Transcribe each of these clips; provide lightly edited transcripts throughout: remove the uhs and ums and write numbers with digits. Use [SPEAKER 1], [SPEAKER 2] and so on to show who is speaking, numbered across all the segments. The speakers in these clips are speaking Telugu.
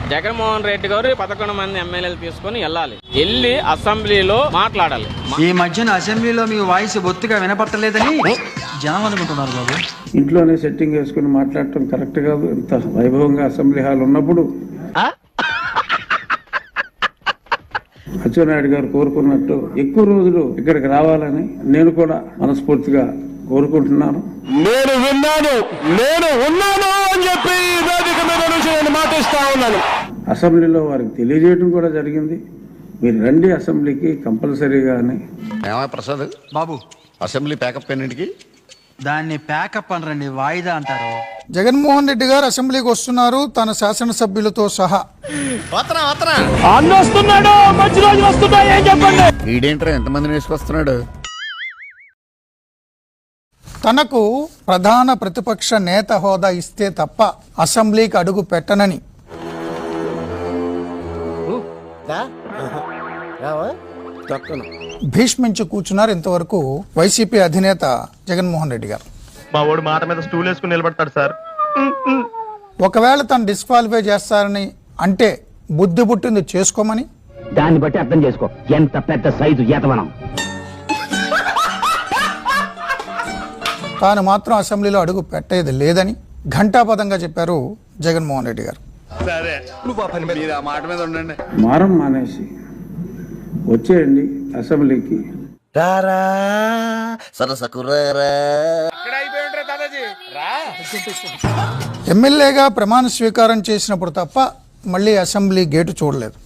[SPEAKER 1] జగన్మోహన్ రెడ్డి గారు 11 మంది ఎమ్మెల్యేలు తీసుకొని వెళ్ళి అసెంబ్లీలో మాట్లాడాలి.
[SPEAKER 2] ఈ మధ్యన అసెంబ్లీలో మీ వాయిస్ బొత్తిగా వినపట్టలేదని జనం అనుకుంటున్నారు బాబు.
[SPEAKER 3] ఇంట్లోనే సెట్టింగ్ వేసుకుని మాట్లాడటం కరెక్ట్ కాదు. ఇంత వైభవంగా అసెంబ్లీ హాల్ ఉన్నప్పుడు అచ్చెన్నాయుడు గారు కోరుకున్నట్టు ఎక్కువ రోజులు ఇక్కడికి రావాలని నేను కూడా మనస్ఫూర్తిగా కోరుకుంటున్నాను.
[SPEAKER 4] నేను ఉన్నాను అని చెప్పి వేదిక మీద నుంచి నేను మాటిస్తా ఉన్నాను.
[SPEAKER 3] అసెంబ్లీలో వారికి తెలియజేయడం కూడా జరిగింది. మీరు రండి అసెంబ్లీకి కంపల్సరీగా అని.
[SPEAKER 5] ప్రసాద్
[SPEAKER 2] బాబు
[SPEAKER 5] అసెంబ్లీ ప్యాకప్ ఎన్నింటికి?
[SPEAKER 2] దాన్ని ప్యాకప్ అనరండి, వాయిదా అంటారు.
[SPEAKER 6] జగన్మోహన్ రెడ్డి గారు అసెంబ్లీకి వస్తున్నారు తన శాసనసభ్యులతో సహా.
[SPEAKER 4] అన్నొస్తున్నాడు, మంచి రోజులు వస్తున్నాయి ఏం చెప్పండి.
[SPEAKER 5] వీడేంట్రా ఎంతమందిని వేసుకొస్తున్నాడు?
[SPEAKER 6] తనకు ప్రధాన ప్రతిపక్ష నేత హోదా ఇస్తే తప్ప అసెంబ్లీకి అడుగు పెట్టనని భీష్మించి కూర్చున్నారు ఇంతవరకు వైసీపీ అధినేత జగన్మోహన్ రెడ్డి గారు.
[SPEAKER 7] మా వాడు మాట మీద స్టూల్ వేసుకుని నిలబడతాడు సార్.
[SPEAKER 6] ఒకవేళ తను డిస్క్వాలిఫై చేస్తారని అంటే బుద్ధి పుట్టింది చేసుకోమని,
[SPEAKER 8] దాన్ని బట్టి అర్థం చేసుకో ఎంత పెద్ద సైజు ఏతవనం.
[SPEAKER 6] తాను మాత్రం అసెంబ్లీలో అడుగు పెట్టేది లేదని ఘంటాపథంగా చెప్పారు జగన్మోహన్ రెడ్డి గారు.
[SPEAKER 3] మారం మానేసి వచ్చేయండి అసెంబ్లీకి.
[SPEAKER 6] ఎమ్మెల్యేగా ప్రమాణ స్వీకారం చేసినప్పుడు తప్ప మళ్ళీ అసెంబ్లీ గేటు చూడలేదు.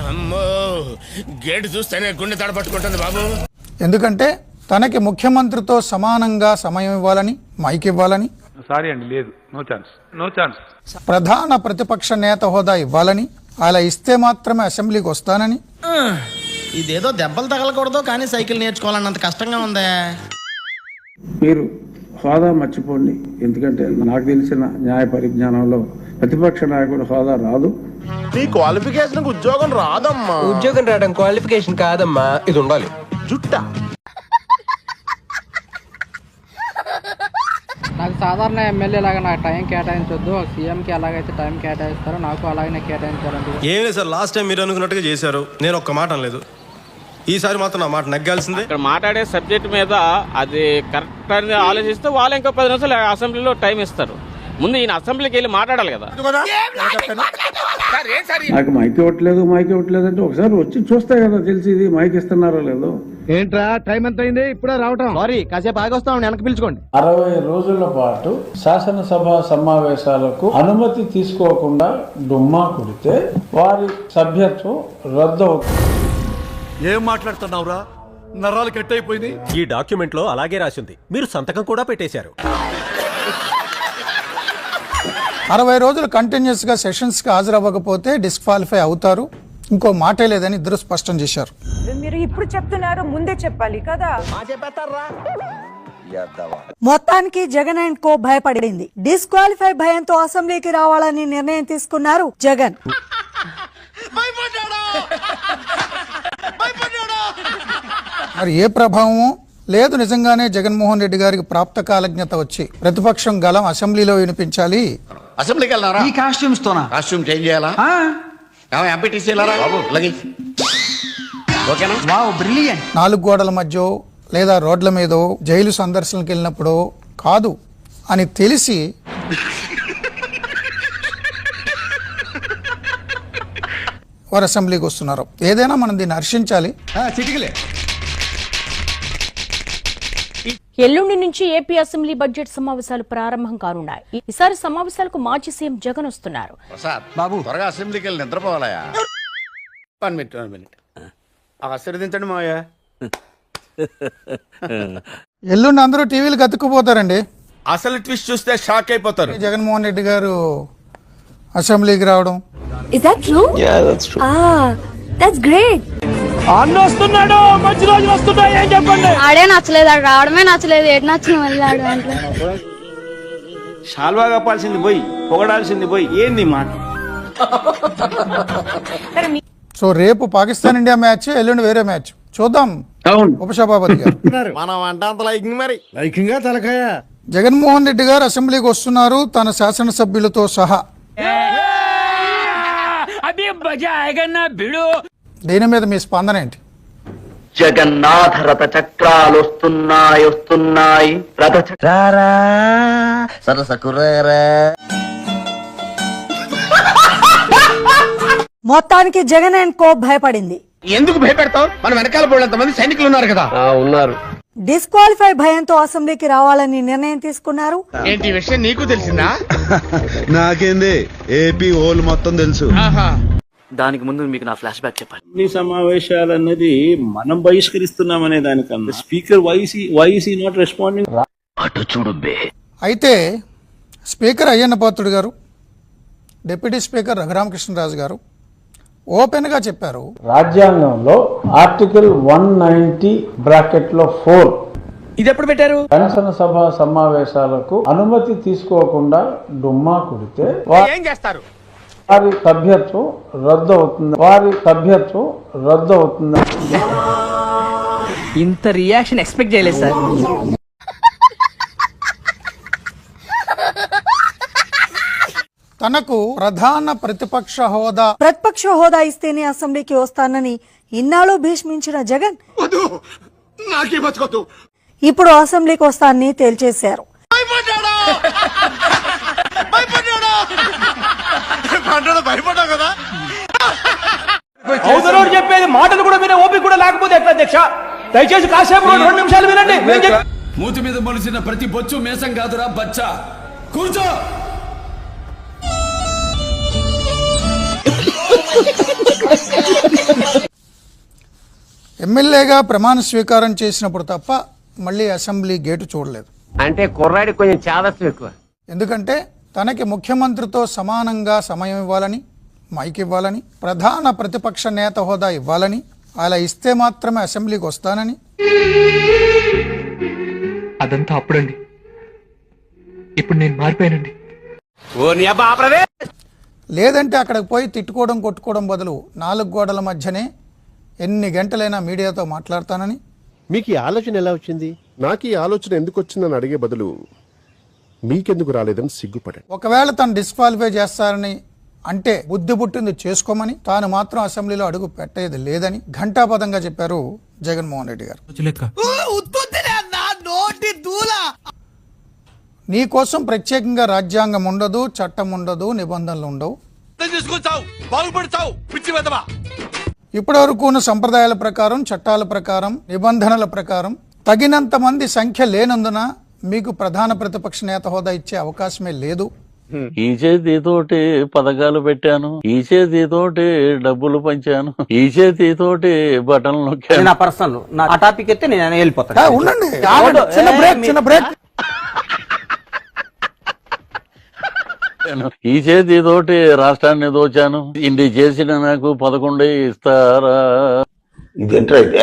[SPEAKER 4] గేటు చూస్తేనే గుండె తడపట్టుకుంటుంది బాబు.
[SPEAKER 6] ఎందుకంటే తనకి ముఖ్యమంత్రితో సమానంగా సమయం ఇవ్వాలని, మైక్ ఇవ్వాలని,
[SPEAKER 7] సారీ అండి లేదు, నో ఛాన్స్.
[SPEAKER 6] ప్రధాన ప్రతిపక్ష నేత హోదా ఇవ్వాలని, అలా ఇస్తే మాత్రమే అసెంబ్లీకి వస్తానని.
[SPEAKER 9] ఇదేదో దెబ్బలు తగలకూడదు కానీ సైకిల్ నేర్చుకోవాలన్నంత కష్టంగా ఉందే.
[SPEAKER 3] మీరు హోదా మర్చిపోండి. ఎందుకంటే నాకు తెలిసిన న్యాయ పరిజ్ఞానంలో ప్రతిపక్ష నాయకుడు హోదా రాదు.
[SPEAKER 4] నీ క్వాలిఫికేషన్ ఉద్యోగం రాదమ్మా.
[SPEAKER 9] ఉద్యోగం రావడం క్వాలిఫికేషన్ కాదమ్మా, ఇది ఉండాలి.
[SPEAKER 4] జుట్ట
[SPEAKER 1] నాకు సాధారణ ఎమ్మెల్యే లాగా నాకు టైం కేటాయించొద్దు. సీఎంకి ఎలాగైతే టైం కేటాయిస్తారో నాకు అలాగనే కేటాయించాలండి.
[SPEAKER 7] ఏం లేదు సార్, లాస్ట్ టైం మీరు అనుకున్నట్టుగా చేశారు. నేను ఒక్క మాట అనలేదు. ఈసారి మాత్రం నా మాట నెగ్గాల్సిందే. ఇక్కడ మాట్లాడే సబ్జెక్ట్ మీద అది కరెక్ట్ అని ఆలోచిస్తే వాళ్ళు ఇంకో 10 నిమిషాలు అసెంబ్లీలో టైం ఇస్తారు. ముందు ఈయన అసెంబ్లీకి వెళ్ళి మాట్లాడాలి కదా.
[SPEAKER 3] నాకు మైక్ ఇవ్వట్లేదు అంటే ఒకసారి వచ్చి చూస్తే కదా తెలిసి ఇది మైక్ ఇస్తున్నారో లేదో.
[SPEAKER 9] ఏంట్రా టైం ఎంత అయింది? ఇప్పుడే రావటం. సారీ, కాసేపు ఆగొస్తాం, వెనక్కి పిలుచుకోండి.
[SPEAKER 3] 60 రోజుల పాటు శాసనసభ సమావేశాలకు అనుమతి తీసుకోకుండా డుమ్మా కొడితే వారి సభ్యత్వం రద్దు అవుతుంది.
[SPEAKER 4] ఏం మాట్లాడుతున్నావురా? నరాలు కట్ అయిపోయింది.
[SPEAKER 7] ఈ డాక్యుమెంట్ లో అలాగే రాసింది. మీరు సంతకం కూడా పెట్టేశారు.
[SPEAKER 6] 60 రోజులు కంటిన్యూస్ గా సెషన్స్ కి హాజరవ్వకపోతే డిస్క్వాలిఫై అవుతారు. ఇంకో మాటే లేదని ఇద్దరు స్పష్టం చేశారు.
[SPEAKER 10] మీరు ఇప్పుడు చెప్తున్నారు, ముందే చెప్పాలి కదా.
[SPEAKER 11] మొత్తానికి జగన్ అండ్ కో భయపడింది. డిస్క్వాలిఫై భయంతో అసెంబ్లీకి రావాలని నిర్ణయం తీసుకున్నారు జగన్.
[SPEAKER 6] మరి ఏ ప్రభావమో లేదు. నిజంగానే జగన్మోహన్ రెడ్డి గారికి ప్రాప్త కాలజ్ఞత వచ్చి ప్రతిపక్షం గలం అసెంబ్లీలో వినిపించాలి.
[SPEAKER 5] అసెంబ్లీకి వెళ్తారా?
[SPEAKER 2] ఈ కాస్ట్యూమ్స్ తోనా?
[SPEAKER 5] కాస్ట్యూమ్ చేంజ్ చేయాలా? ఎంపీటీసీ వెళ్ళారా బాబు? ఓకేనా?
[SPEAKER 2] Wow, brilliant.
[SPEAKER 6] 4 గోడల మధ్య లేదా రోడ్ల మీదో జైలు సందర్శనకి వెళ్ళినప్పుడు కాదు అని తెలిసి వారు అసెంబ్లీకి వస్తున్నారు. ఏదైనా మనం దీన్ని హర్షించాలి.
[SPEAKER 10] ఎల్లుండి నుంచి ఏపీ అసెంబ్లీ బడ్జెట్ సమావేశాలు ప్రారంభం కానున్నాయి. ఈసారి సమావేశాలకు మాజీ సీఎం జగన్ వస్తున్నారు.
[SPEAKER 5] ప్రసాద్ బాబు త్వరగా అసెంబ్లీకి వెళ్ళి నిద్రపోవాలయా?
[SPEAKER 4] 1 మినిట్ ఆశీర్వదించండి మావయ్య.
[SPEAKER 6] ఎల్లుండి అందరూ టీవీలకు అతుక్కుపోతారండి.
[SPEAKER 4] అసలు ట్విస్ట్ చూస్తే షాక్ అయిపోతారు.
[SPEAKER 6] జగన్మోహన్ రెడ్డి గారు అసెంబ్లీకి రావడం.
[SPEAKER 10] Is that true? Yeah, that's true. That's great.
[SPEAKER 4] అన్నొస్తున్నాడు, మంచి రోజులు వస్తున్నాయి ఏం చెప్పండి.
[SPEAKER 10] ఆడే నచ్చలేదు, ఆడు రావడమే నచ్చలేదు. ఏడు నచ్చిన మళ్ళీ ఆడు అంటే
[SPEAKER 7] షాల్వా కప్పాల్సింది పోయి పొగడాల్సింది పోయి ఏంది మాట.
[SPEAKER 6] సో రేపు పాకిస్తాన్ ఇండియా మ్యాచ్, ఎల్లుండి వేరే మ్యాచ్ చూద్దాం. ఉపసభాపతి గారు
[SPEAKER 4] మనం అంటే అంత లైకింగ్, మరి లైకింగ్ తలకాయ.
[SPEAKER 6] జగన్మోహన్ రెడ్డి గారు అసెంబ్లీకి వస్తున్నారు తన శాసనసభ్యులతో సహా. దీని మీద మీ స్పందన ఏంటి?
[SPEAKER 8] జగన్నాథ రథ చక్రాలు వస్తున్నాయి రథ
[SPEAKER 11] మొత్తానికి జగన్ అండ్ కో భయపడింది.
[SPEAKER 9] ఎందుకు భయపెడతావు? మన వెనకాల పోయినంత మంది సైనికులు ఉన్నారు కదా.
[SPEAKER 4] ఉన్నారు.
[SPEAKER 11] డిస్క్వాలిఫై భయంతో అసెంబ్లీకి రావాలని నిర్ణయం తీసుకున్నారు.
[SPEAKER 9] ఏంటి ఈ విషయం నీకు తెలిసిందా?
[SPEAKER 3] నాకేంది, ఏపీ ఓల్ మొత్తం తెలుసు.
[SPEAKER 8] దానికి ముందు మీకు నా ఫ్లాష్ బ్యాక్ చెప్పాలి.
[SPEAKER 3] ఈ సమావేశాలన్నది మనం బహిష్కరిస్తున్నామనే దానికన్నా స్పీకర్ వైసీ నాట్ రెస్పాండింగ్.
[SPEAKER 8] అటు చూడు బే.
[SPEAKER 6] అయితే స్పీకర్ అయ్యన్న పాత్రుడు గారు, డిప్యూటీ స్పీకర్ రఘురామకృష్ణరాజు గారు ఓపెన్గా చెప్పారు,
[SPEAKER 3] రాజ్యాంగంలో ఆర్టికల్ 190 బ్రాకెట్లో 4
[SPEAKER 9] ఇది ఎప్పుడు పెట్టారు?
[SPEAKER 3] శాసనసభ సమావేశాలకు అనుమతి తీసుకోకుండా డుమ్మా కుడితే
[SPEAKER 9] ఏం చేస్తారు?
[SPEAKER 3] వారి సభ్యత్వం రద్దు అవుతుంది.
[SPEAKER 1] ఇంత రియాక్షన్ ఎక్స్పెక్ట్ చేయలేదు సార్.
[SPEAKER 6] తనకు ప్రధాన ప్రతిపక్ష హోదా
[SPEAKER 11] ఇస్తేనే అసెంబ్లీకి వస్తానని ఇన్నాళ్ళు భీష్మించిన జగన్ ఇప్పుడు అసెంబ్లీకి వస్తానని తేల్చేశారు.
[SPEAKER 9] చెప్పేది మాటలు కూడా వినే ఓపిక కూడా లేకపోతే ఎట్లా అధ్యక్ష? దయచేసి కాసేపు 2 నిమిషాలు వినండి.
[SPEAKER 2] మూతి మీద మొలిసిన ప్రతి బొచ్చు మేసం కాదురా బచ్చా. కూర్చో.
[SPEAKER 6] ఎమ్మెల్యేగా ప్రమాణ స్వీకారం చేసినప్పుడు తప్ప మళ్ళీ అసెంబ్లీ గేటు చూడలేదు.
[SPEAKER 8] అంటే కుర్రాడి కొంచెం చాదస్తం ఎక్కువ.
[SPEAKER 6] ఎందుకంటే తనకి ముఖ్యమంత్రితో సమానంగా సమయం ఇవ్వాలని, మైక్ ఇవ్వాలని, ప్రధాన ప్రతిపక్ష నేత హోదా ఇవ్వాలని, అలా ఇస్తే మాత్రమే అసెంబ్లీకి వస్తానని.
[SPEAKER 1] అదంతా అప్పుడండి, ఇప్పుడు నేను మారిపోయానండి.
[SPEAKER 6] లేదంటే అక్కడికి పోయి తిట్టుకోవడం కొట్టుకోవడం బదులు 4 గోడల మధ్యనే ఎన్ని గంటలైనా మీడియాతో మాట్లాడతానని.
[SPEAKER 4] మీకు ఈ ఆలోచన ఎలా వచ్చింది? నాకు ఈ ఆలోచన ఎందుకు వచ్చిందని అడిగే బదులు మీకెందుకు రాలేదని సిగ్గుపడండి.
[SPEAKER 6] ఒకవేళ తను డిస్క్వాలిఫై చేస్తారని అంటే బుద్ధి పుట్టింది చేసుకోమని, తాను మాత్రం అసెంబ్లీలో అడుగు పెట్టేది లేదని ఘంటాపదంగా చెప్పారు జగన్మోహన్ రెడ్డి గారు. నీ కోసం ప్రత్యేకంగా రాజ్యాంగం ఉండదు, చట్టం ఉండదు, నిబంధనలు ఉండవు. ఇప్పటి వరకు ఉన్న సంప్రదాయాల ప్రకారం, చట్టాల ప్రకారం, నిబంధనల ప్రకారం తగినంత మంది సంఖ్య లేనందున మీకు ప్రధాన ప్రతిపక్ష నేత హోదా ఇచ్చే అవకాశమే లేదు.
[SPEAKER 12] ఈ చేతితోటి పథకాలు పెట్టాను, ఈ చేతితోటి డబ్బులు పంచాను, ఈ చేతితోటి బటన్లు నొక్కాను.
[SPEAKER 1] నా పర్సనల్ ఆ టాపిక్ అయితే నేను వెళ్ళిపోతాను.
[SPEAKER 6] ఉండండి, చిన్న బ్రేక్.
[SPEAKER 12] ఈ చేతితోటి రాష్ట్రాన్ని దోచాను, ఇన్ని చేసిన నాకు 11 ఇస్తారా?
[SPEAKER 8] ఇదేంటైతే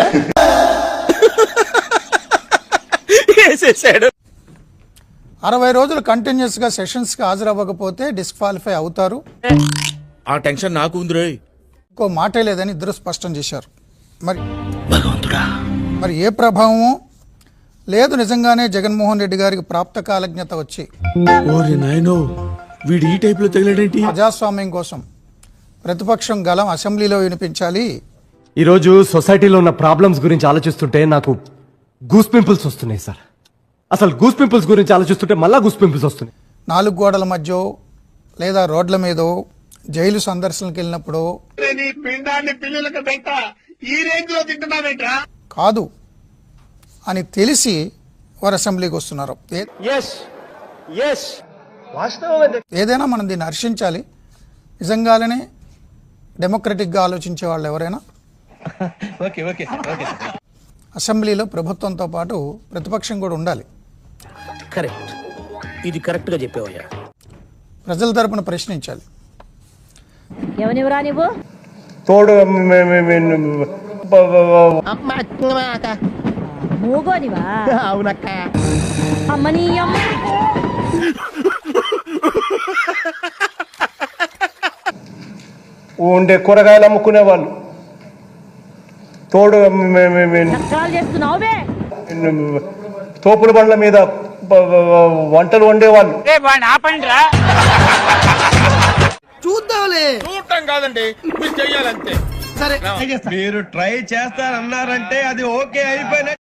[SPEAKER 6] 60 రోజులు కంటిన్యూస్ గా సెషన్స్ కి హాజరవ్వకపోతే డిస్క్వాలిఫై అవుతారు.
[SPEAKER 9] ఆ టెన్షన్ నాకు ఉంది.
[SPEAKER 6] ఇంకో మాటే లేదని ఇద్దరు స్పష్టం చేశారు. మరి ఏ ప్రభావమో లేదు, నిజంగానే జగన్మోహన్ రెడ్డి గారికి ప్రాప్త కాలజ్ఞత వచ్చి ప్రజాస్వామ్యం కోసం ప్రతిపక్షం గలం అసెంబ్లీలో వినిపించాలి.
[SPEAKER 13] ఈరోజు సొసైటీలో ఉన్న ప్రాబ్లమ్స్ గురించి ఆలోచిస్తుంటే నాకు గూస్ పింపుల్స్ వస్తున్నాయి సార్. అసలు గూస్ పింపుల్స్ గురించి ఆలోచిస్తుంటే మళ్ళా గూస్ పింపుల్స్ వస్తున్నాయి.
[SPEAKER 6] 4 గోడల మధ్య లేదా రోడ్ల మీదో, జైలు సందర్శనకి వెళ్ళినప్పుడు కాదు అని తెలిసి వారు అసెంబ్లీకి వస్తున్నారు. ఏదైనా మనం దీన్ని హర్షించాలి. నిజంగానే డెమోక్రటిక్గా ఆలోచించే వాళ్ళు ఎవరైనా అసెంబ్లీలో ప్రభుత్వంతో పాటు ప్రతిపక్షం కూడా ఉండాలి.
[SPEAKER 9] కరెక్ట్, ఇది కరెక్ట్ గా చెప్పావయ్యా.
[SPEAKER 6] ప్రజల తరపున ప్రశ్నించాలి.
[SPEAKER 10] ఎవనివరా నువ్వు?
[SPEAKER 3] తోడు
[SPEAKER 10] మూగోనివా?
[SPEAKER 9] అవునక్క.
[SPEAKER 10] అమ్మనీయం.
[SPEAKER 3] ఉండే కూరగాయలు అమ్ముకునే వాళ్ళు, తోడు
[SPEAKER 10] చేస్తున్నావే,
[SPEAKER 3] తోపుల బండ్ల మీద వంటలు వండేవాళ్ళు.
[SPEAKER 9] చూద్దాంలే.
[SPEAKER 7] చూడటం కాదండి, మీరు చెయ్యాలంతే.
[SPEAKER 9] సరే
[SPEAKER 3] మీరు ట్రై చేస్తారన్నారంటే అది ఓకే అయిపోయిన